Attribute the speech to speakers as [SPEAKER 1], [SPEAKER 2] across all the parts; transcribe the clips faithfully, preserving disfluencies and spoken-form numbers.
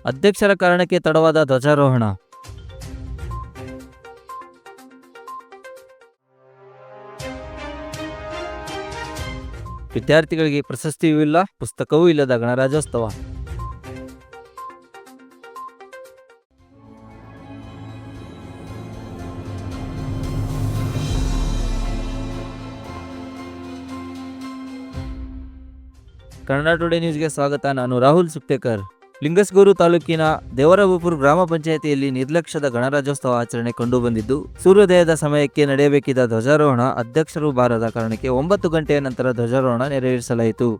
[SPEAKER 1] ಅಧ್ಯಕ್ಷರ ಕಾರಣಕ್ಕೆ ತಡವಾದ ಧ್ವಜಾರೋಹಣ. ವಿದ್ಯಾರ್ಥಿಗಳಿಗೆ ಪ್ರಶಸ್ತಿಯೂ ಇಲ್ಲ, ಪುಸ್ತಕವೂ ಇಲ್ಲದ ಗಣರಾಜ್ಯೋತ್ಸವ. ಕನ್ನಡ ಟುಡೇ ನ್ಯೂಸ್ಗೆ ಸ್ವಾಗತ. ನಾನು ರಾಹುಲ್ ಸುಪ್ತೇಕರ್. ಲಿಂಗಸ್ಗೂರು ತಾಲೂಕಿನ ದೇವರಬಾಪುರ ಗ್ರಾಮ ಪಂಚಾಯಿತಿಯಲ್ಲಿ ನಿರ್ಲಕ್ಷ್ಯದ ಗಣರಾಜ್ಯೋತ್ಸವ ಆಚರಣೆ ಕಂಡುಬಂದಿದ್ದು, ಸೂರ್ಯೋದಯದ ಸಮಯಕ್ಕೆ ನಡೆಯಬೇಕಿದ್ದ ಧ್ವಜಾರೋಹಣ ಅಧ್ಯಕ್ಷರು ಬಾರದ ಕಾರಣಕ್ಕೆ ಒಂಬತ್ತು ಗಂಟೆಯ ನಂತರ ಧ್ವಜಾರೋಹಣ ನೆರವೇರಿಸಲಾಯಿತು.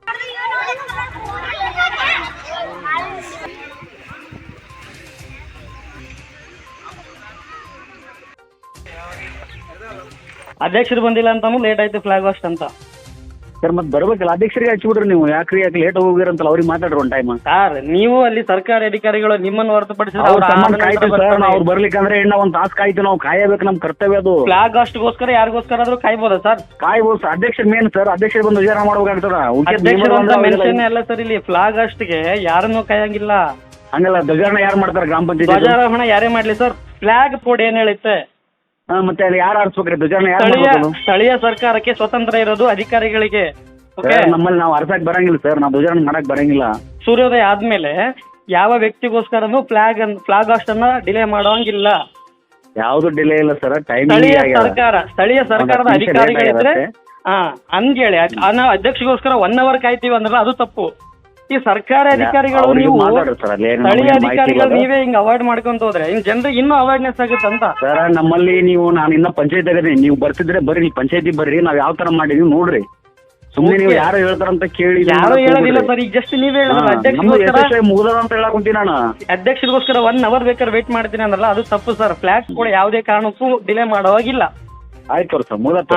[SPEAKER 2] ಅಧ್ಯಕ್ಷರು ಬಂದಿಲ್ಲ ಅಂತಾನು ಲೇಟ್ ಆಯ್ತು ಫ್ಲಾಗ್ ಹಾಸ್ಟ್ ಅಂತ.
[SPEAKER 3] ಸರ್ ಮತ್ತೆ ಬರ್ಬೇಕಲ್ಲ, ಅಧ್ಯಕ್ಷರಿಗೆ ಹಚ್ಚಿಬಿಡ್ರಿ ನೀವು. ಯಾಕ್ರಿ ಯಾಕೆ ಲೇಟ್ ಹೋಗಿರಂತಲ್ಲ, ಅವ್ರಿಗೆ ಮಾತಾಡ್ರಿ ಒಂದು ಟೈಮ್.
[SPEAKER 2] ಸರ್ ನೀವು ಅಲ್ಲಿ ಸರ್ಕಾರಿ ಅಧಿಕಾರಿಗಳು ನಿಮ್ಮನ್ನು ಹೊರತುಪಡಿಸಿದ್ರೆ
[SPEAKER 3] ಅವ್ರು ಬರ್ಲಿಕ್ಕಂದ್ರೆ ಇನ್ನ ಒಂದ್ ತಾಸು ಕಾಯ್ತು, ನಾವು ಕಾಯಬೇಕು, ನಮ್ ಕರ್ತವ್ಯ ಅದು.
[SPEAKER 2] ಫ್ಲಾಗ್ ಹಾಸ್ಟ್ಗೋಸ್ಕರ ಯಾರಿಗೋಸ್ಕರ ಆದ್ರೂ ಕಾಯ್ಬೋದಾ ಸರ್?
[SPEAKER 3] ಕಾಯ್ಬೋದು. ಅಧ್ಯಕ್ಷರ ಮೇನ್ ಸರ್, ಅಧ್ಯಕ್ಷರು ಬಂದು ವಿಚಾರ ಮಾಡ್ಬೇಕಾಗ್ತದ.
[SPEAKER 2] ಮೆನ್ಷನ್ ಅಲ್ಲ ಸರ್, ಇಲ್ಲಿ ಫ್ಲಾಗ್ ಹಾಸ್ಟ್ಗೆ ಯಾರನ್ನೂ ಕಾಯಂಗಿಲ್ಲ.
[SPEAKER 3] ಹಂಗಲ್ಲ, ಧ್ವಜಾರೋಹಣ ಯಾರು ಮಾಡ್ತಾರೆ? ಗ್ರಾಮ ಪಂಚಾಯತ್
[SPEAKER 2] ಧ್ವಜಾರೋಹಣ ಯಾರೇ ಮಾಡ್ಲಿ ಸರ್, ಫ್ಲಾಗ್ ಕೋಡ್ ಏನ್ ಹೇಳುತ್ತೆ?
[SPEAKER 3] ಮತ್ತೆ ಅಲ್ಲಿ ಯಾರು ಆರಿಸ್ಬೇಕ್ರಿ ಧ್ವಜಾರೋಹಣ? ಯಾರು?
[SPEAKER 2] ಸ್ಥಳೀಯ ಸರ್ಕಾರಕ್ಕೆ ಸ್ವತಂತ್ರ ಇರೋದು ಅಧಿಕಾರಿಗಳಿಗೆ.
[SPEAKER 3] ನಮ್ಮಲ್ಲಿ ನಾವು ಅರ್ಸಕ್ ಬರಂಗಿಲ್ಲ ಸರ್, ನಾವು ಧ್ವಜಾರೋಹಣ ಮಾಡಕ್ ಬರಂಗಿಲ್ಲ.
[SPEAKER 2] ಸೂರ್ಯೋದಯ ಆದ್ಮೇಲೆ ಯಾವ ವ್ಯಕ್ತಿಗೋಸ್ಕರನು ಫ್ಲಾಗ್ ಫ್ಲಾಗ್ ಹಾಸ್ಟ್ ಅನ್ನ ಡಿಲೇ ಮಾಡೋಂಗಿಲ್ಲ.
[SPEAKER 3] ಯಾವ್ದು ಡಿಲೇ ಇಲ್ಲ ಸರ್. ಟೈಮ್
[SPEAKER 2] ಸ್ಥಳೀಯ ಸರ್ಕಾರ ಸ್ಥಳೀಯ ಸರ್ಕಾರದ ಅಧಿಕಾರಿಗಳಿದ್ರೆ ಹಾ ಹಂಗೇಳಿ ನಾವು ಅಧ್ಯಕ್ಷಗೋಸ್ಕರ ಒನ್ ಅವರ್ ಕಾಯ್ತೀವಿ ಅಂದ್ರೆ ಅದು ತಪ್ಪು. ಈ ಸರ್ಕಾರಿ ಅಧಿಕಾರಿಗಳು ನೀವು ಸ್ಥಳೀಯ ಅಧಿಕಾರಿಗಳು ನೀವೇ ಹಿಂಗ್ ಅವಾಯ್ಡ್ ಮಾಡ್ಕೊಂತ ಹೋದ್ರೆ ಇನ್ ಜನರಿಗೆ ಇನ್ನೂ ಅವೇರ್ನೆಸ್ ಆಗುತ್ತೆ ಅಂತ.
[SPEAKER 3] ಸರ್ ನಮ್ಮಲ್ಲಿ ನೀವು ನಾನು ಇನ್ನ ಪಂಚಾಯತ್ ಆಗದ್ರಿ, ನೀವು ಬರ್ತಿದ್ರೆ ಬರ್ರಿ, ನೀವು ಪಂಚಾಯತಿ ಬರ್ರಿ, ನಾವ್ ಯಾವ ತರ ಮಾಡಿದೀವಿ ನೋಡ್ರಿ. ಸುಮ್ಮನೆ ನೀವು ಯಾರು ಹೇಳ್ತಾರಂತ ಕೇಳಿ
[SPEAKER 2] ಯಾರು ಹೇಳೋದಿಲ್ಲ ಸರ್. ಈಗ ಜಸ್ಟ್ ನೀವ್ ಹೇಳಿದ್ರಲ್ಲ ಅಧ್ಯಕ್ಷ
[SPEAKER 3] ಮುಗಿದ ಅಂತ ಹೇಳಕ್ ಕುಂತೀನಿ ನಾನು.
[SPEAKER 2] ಅಧ್ಯಕ್ಷರಿಗೋಸ್ಕರ ಒನ್ ಅವರ್ ಬೇಕಾದ್ರೆ ವೇಟ್ ಮಾಡ್ತೀನಿ ಅಂದ್ರಲ್ಲ ಅದು ತಪ್ಪು ಸರ್. ಫ್ಲಾಗ್ ಕೂಡ ಯಾವುದೇ ಕಾರಣಕ್ಕೂ ಡಿಲೇ ಮಾಡೋವಾಗಿಲ್ಲ.
[SPEAKER 3] ಆಯ್ತು ಸರ್, ಮುಗಿದ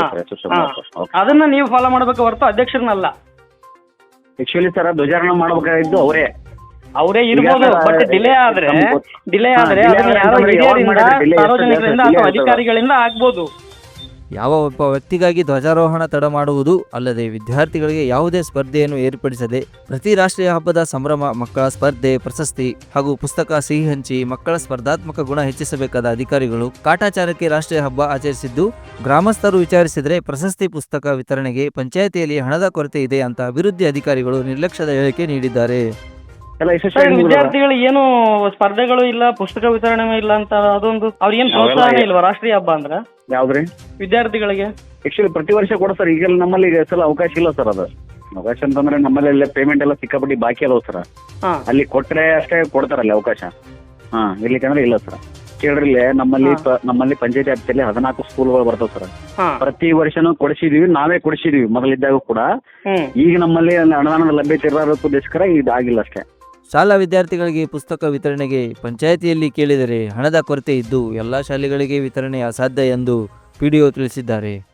[SPEAKER 2] ಅದನ್ನ ನೀವು ಫಾಲೋ ಮಾಡ್ಬೇಕು ಹೊರತು ಅಧ್ಯಕ್ಷರನ್ನಲ್ಲ.
[SPEAKER 3] ಆಕ್ಚುಲಿ ಸರ್ ಧ್ವಜಾರೋಹಣ ಮಾಡ್ಬೇಕಾಗಿದ್ದು ಅವರೇ
[SPEAKER 2] ಅವರೇ ಇರ್ಬೋದು. ಬಟ್ ಡಿಲೇ ಆದ್ರೆ ಡಿಲೇ ಆದ್ರೆ ಯಾರೋ ಹಿರಿಯರಿಂದ ಸಾರ್ವಜನಿಕರಿಂದ ಅಥವಾ ಅಧಿಕಾರಿಗಳಿಂದ ಆಗ್ಬೋದು.
[SPEAKER 1] ಯಾವ ಒಬ್ಬ ವ್ಯಕ್ತಿಗಾಗಿ ಧ್ವಜಾರೋಹಣ ತಡ ಮಾಡುವುದು ಅಲ್ಲದೆ ವಿದ್ಯಾರ್ಥಿಗಳಿಗೆ ಯಾವುದೇ ಸ್ಪರ್ಧೆಯನ್ನು ಏರ್ಪಡಿಸದೆ ಪ್ರತಿ ರಾಷ್ಟ್ರೀಯ ಹಬ್ಬದ ಸಂಭ್ರಮ, ಮಕ್ಕಳ ಸ್ಪರ್ಧೆ, ಪ್ರಶಸ್ತಿ ಹಾಗೂ ಪುಸ್ತಕ ಸಿಹಿ ಹಂಚಿ ಮಕ್ಕಳ ಸ್ಪರ್ಧಾತ್ಮಕ ಗುಣ ಹೆಚ್ಚಿಸಬೇಕಾದ ಅಧಿಕಾರಿಗಳು ಕಾಟಾಚಾರಕ್ಕೆ ರಾಷ್ಟ್ರೀಯ ಹಬ್ಬ ಆಚರಿಸಿದ್ದು, ಗ್ರಾಮಸ್ಥರು ವಿಚಾರಿಸಿದರೆ ಪ್ರಶಸ್ತಿ ಪುಸ್ತಕ ವಿತರಣೆಗೆ ಪಂಚಾಯಿತಿಯಲ್ಲಿ ಹಣದ ಕೊರತೆ ಇದೆ ಅಂತ ಅಭಿವೃದ್ಧಿ ಅಧಿಕಾರಿಗಳು ನಿರ್ಲಕ್ಷ್ಯದ ಹೇಳಿಕೆ ನೀಡಿದ್ದಾರೆ.
[SPEAKER 2] ವಿದ್ಯಾರ್ಥಿಗಳು ಏನು ಸ್ಪರ್ಧೆಗಳು ಇಲ್ಲ, ಪುಸ್ತಕ ವಿತರಣೆ ಇಲ್ಲ ಅಂತ ಅದೊಂದು ಅವ್ರಿಗೇನು ಪ್ರೋತ್ಸಾಹ ಇಲ್ವಾ ರಾಷ್ಟ್ರೀಯ ಹಬ್ಬ ಅಂದ್ರೆ?
[SPEAKER 3] ಯಾವ್ದ್ರಿ
[SPEAKER 2] ವಿದ್ಯಾರ್ಥಿಗಳಿಗೆ
[SPEAKER 3] ಆಕ್ಚುಲಿ ಪ್ರತಿ ವರ್ಷ ಕೊಡ ಸರ್. ಈಗ ನಮ್ಮಲ್ಲಿ ಸಲ ಅವಕಾಶ ಇಲ್ಲ ಸರ್. ಅದು ಅವಕಾಶ ಅಂತಂದ್ರೆ ನಮ್ಮಲ್ಲಿ ಪೇಮೆಂಟ್ ಎಲ್ಲ ಸಿಕ್ಕಾಪಟ್ಟಿ ಬಾಕಿ ಅದಾವ ಸರ್. ಅಲ್ಲಿ ಕೊಟ್ರೆ ಅಷ್ಟೇ ಕೊಡ್ತಾರಲ್ಲಿ ಅವಕಾಶ. ಹಾ ಇರ್ಲಿಕ್ಕಂದ್ರೆ ಇಲ್ಲ ಸರ್. ಕೇಳ್ರಿ, ನಮ್ಮಲ್ಲಿ ನಮ್ಮಲ್ಲಿ ಪಂಚಾಯತಿ ವ್ಯಾಪ್ತಿಯಲ್ಲಿ ಹದಿನಾಲ್ಕು ಸ್ಕೂಲ್ಗಳು ಬರ್ತಾವ ಸರ್. ಪ್ರತಿ ವರ್ಷನೂ ಕೊಡಿಸಿದೀವಿ, ನಾವೇ ಕೊಡಿಸಿದೀವಿ ಮೊದಲಿದ್ದಾಗ ಕೂಡ. ಈಗ ನಮ್ಮಲ್ಲಿ ಅನುದಾನದ ಲಭ್ಯತೆ ಇರೋದಕ್ಕೋಸ್ಕರ ಇದಾಗಿಲ್ಲ ಅಷ್ಟೇ.
[SPEAKER 1] ಶಾಲಾ ವಿದ್ಯಾರ್ಥಿಗಳಿಗೆ ಪುಸ್ತಕ ವಿತರಣೆಗೆ ಪಂಚಾಯಿತಿಯಲ್ಲಿ ಕೇಳಿದರೆ ಹಣದ ಕೊರತೆ ಇದ್ದು ಎಲ್ಲ ಶಾಲೆಗಳಿಗೆ ವಿತರಣೆ ಅಸಾಧ್ಯ ಎಂದು ಪಿಡಿಒ ತಿಳಿಸಿದ್ದಾರೆ.